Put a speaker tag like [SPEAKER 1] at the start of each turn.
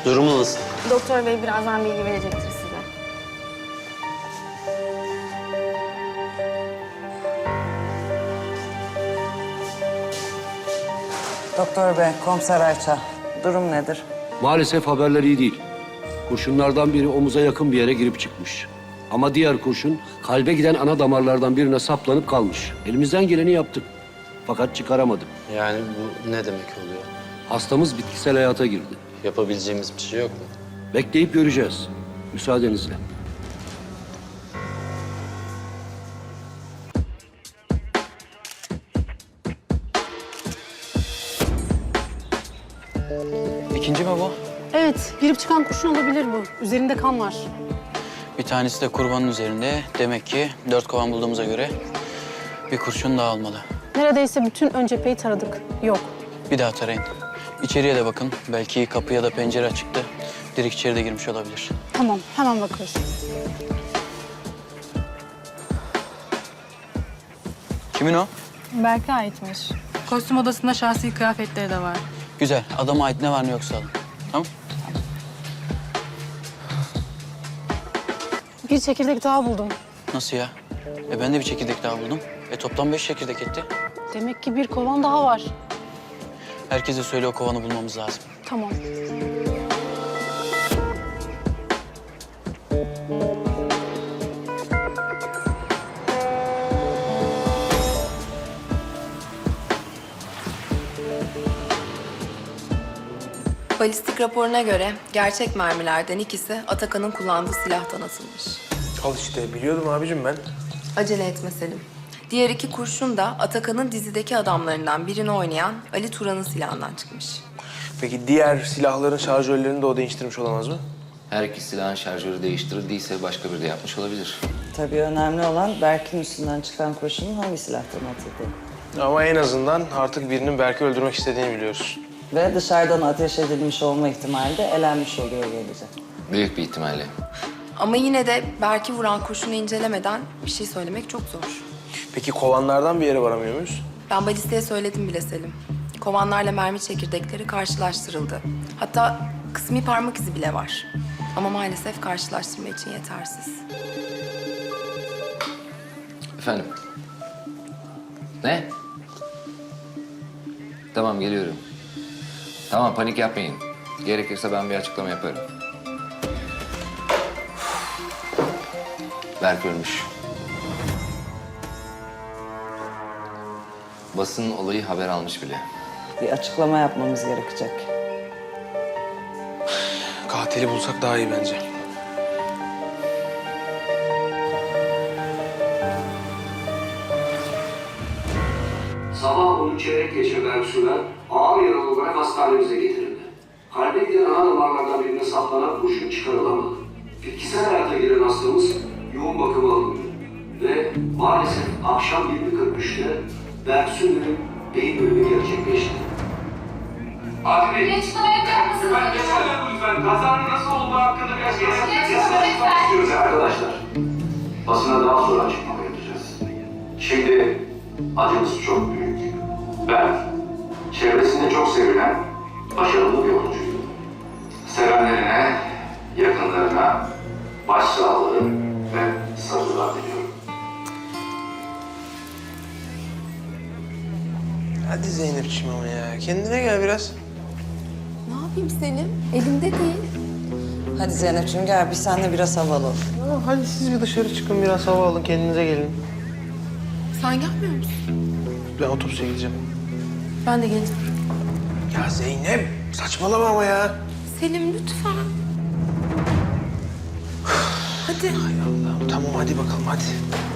[SPEAKER 1] Durumu nasıl?
[SPEAKER 2] Doktor bey birazdan bilgi verecektir size.
[SPEAKER 3] Doktor bey, komiser Ayça. Durum nedir?
[SPEAKER 4] Maalesef haberler iyi değil. Kurşunlardan biri omuza yakın bir yere girip çıkmış. Ama diğer kurşun kalbe giden ana damarlardan birine saplanıp kalmış. Elimizden geleni yaptık. Fakat çıkaramadık.
[SPEAKER 1] Yani bu ne demek oluyor?
[SPEAKER 4] Hastamız bitkisel hayata girdi.
[SPEAKER 1] Yapabileceğimiz bir şey yok mu?
[SPEAKER 4] Bekleyip göreceğiz. Müsaadenizle.
[SPEAKER 5] İkinci mi bu?
[SPEAKER 6] Evet, girip çıkan kurşun olabilir bu. Üzerinde kan var.
[SPEAKER 5] Bir tanesi de kurbanın üzerinde. Demek ki 4 kovan bulduğumuza göre bir kurşun daha almalı.
[SPEAKER 6] Neredeyse bütün ön cepheyi taradık. Yok.
[SPEAKER 5] Bir daha tarayın. İçeriye de bakın. Belki kapı ya da pencere açıktı. Direkt içeri de girmiş olabilir.
[SPEAKER 6] Tamam, hemen bakıyoruz.
[SPEAKER 5] Kimin o?
[SPEAKER 7] Berk'e aitmiş. Kostüm odasında şahsi kıyafetleri de var.
[SPEAKER 5] Güzel. Adama ait ne var ne yoksa alın. Tamam?
[SPEAKER 6] Bir çekirdek daha buldum.
[SPEAKER 5] Nasıl ya? Ben de bir çekirdek daha buldum. Toplam 5 çekirdek etti.
[SPEAKER 6] Demek ki bir kovan daha var.
[SPEAKER 5] Herkese söyle o kovanı bulmamız lazım.
[SPEAKER 6] Tamam.
[SPEAKER 8] Balistik raporuna göre gerçek mermilerden ikisi Atakan'ın kullandığı silahtan atılmış.
[SPEAKER 9] Al işte biliyordum abicim ben.
[SPEAKER 8] Acele etme Selim. Diğer iki kurşun da Atakan'ın dizideki adamlarından birini oynayan Ali Turan'ın silahından çıkmış.
[SPEAKER 9] Peki diğer silahların şarjörlerini de o değiştirmiş olamaz mı?
[SPEAKER 10] Her iki silahın şarjörü değiştirildiyse başka biri de yapmış olabilir.
[SPEAKER 3] Tabii önemli olan Berk'in üstünden çıkan kurşunun hangi silahtan atıldığı.
[SPEAKER 9] Ama en azından artık birinin Berk'i öldürmek istediğini biliyoruz.
[SPEAKER 3] Ve dışarıdan ateş edilmiş olma ihtimali de elenmiş oluyor gelecek.
[SPEAKER 10] Büyük bir ihtimalle.
[SPEAKER 8] Ama yine de Berk'i vuran kurşunu incelemeden bir şey söylemek çok zor.
[SPEAKER 9] Peki kovanlardan bir yere varamıyor muyuz?
[SPEAKER 8] Ben balistiğe söyledim bile Selim. Kovanlarla mermi çekirdekleri karşılaştırıldı. Hatta kısmi parmak izi bile var. Ama maalesef karşılaştırma için yetersiz.
[SPEAKER 10] Efendim? Ne? Tamam, geliyorum. Tamam, panik yapmayın. Gerekirse ben bir açıklama yaparım. Berk ölmüş. Basın olayı haber almış bile.
[SPEAKER 3] Bir açıklama yapmamız gerekecek.
[SPEAKER 9] Katili bulsak daha iyi bence.
[SPEAKER 4] Sabah 10 çeyrek geçe Berksu'dan ağır yaralı olarak hastanemize getirildi. Kalbe giden ana damarlardan birine saplanan kurşun çıkarılamadı. Bitkisel hayata giren hastamız yoğun bakıma alındı. Ve maalesef akşam 20.43'te Berksu'nun beyin bölümü gerçekleşti. Hadi Bey.
[SPEAKER 7] Açıklama yapacak mısınız?
[SPEAKER 4] Lütfen. Kazanın nasıl olduğu hakkında biraz istiyoruz arkadaşlar. Basına daha sonra açıklama yapacağız. Şimdi acımız çok büyük. Ben çevresinde çok sevilen başarılı bir oyuncuyum. Sevenlerine, yakınlarına başsağlığı ve sabırlar diliyorum.
[SPEAKER 9] Hadi Zeynep'ciğim ama ya. Kendine gel biraz.
[SPEAKER 8] Ne yapayım Selim? Elimde değil.
[SPEAKER 3] Hadi Zeynep'ciğim gel biz seninle biraz hava alalım.
[SPEAKER 9] Ya hadi siz bir dışarı çıkın, biraz hava alın, kendinize gelin.
[SPEAKER 8] Sen gelmiyor musun?
[SPEAKER 9] Ben otobüse gideceğim.
[SPEAKER 8] Ben de geleceğim.
[SPEAKER 9] Ya Zeynep, saçmalama ama ya.
[SPEAKER 8] Selim lütfen. Hadi.
[SPEAKER 9] Hay Allah'ım, tamam hadi bakalım hadi.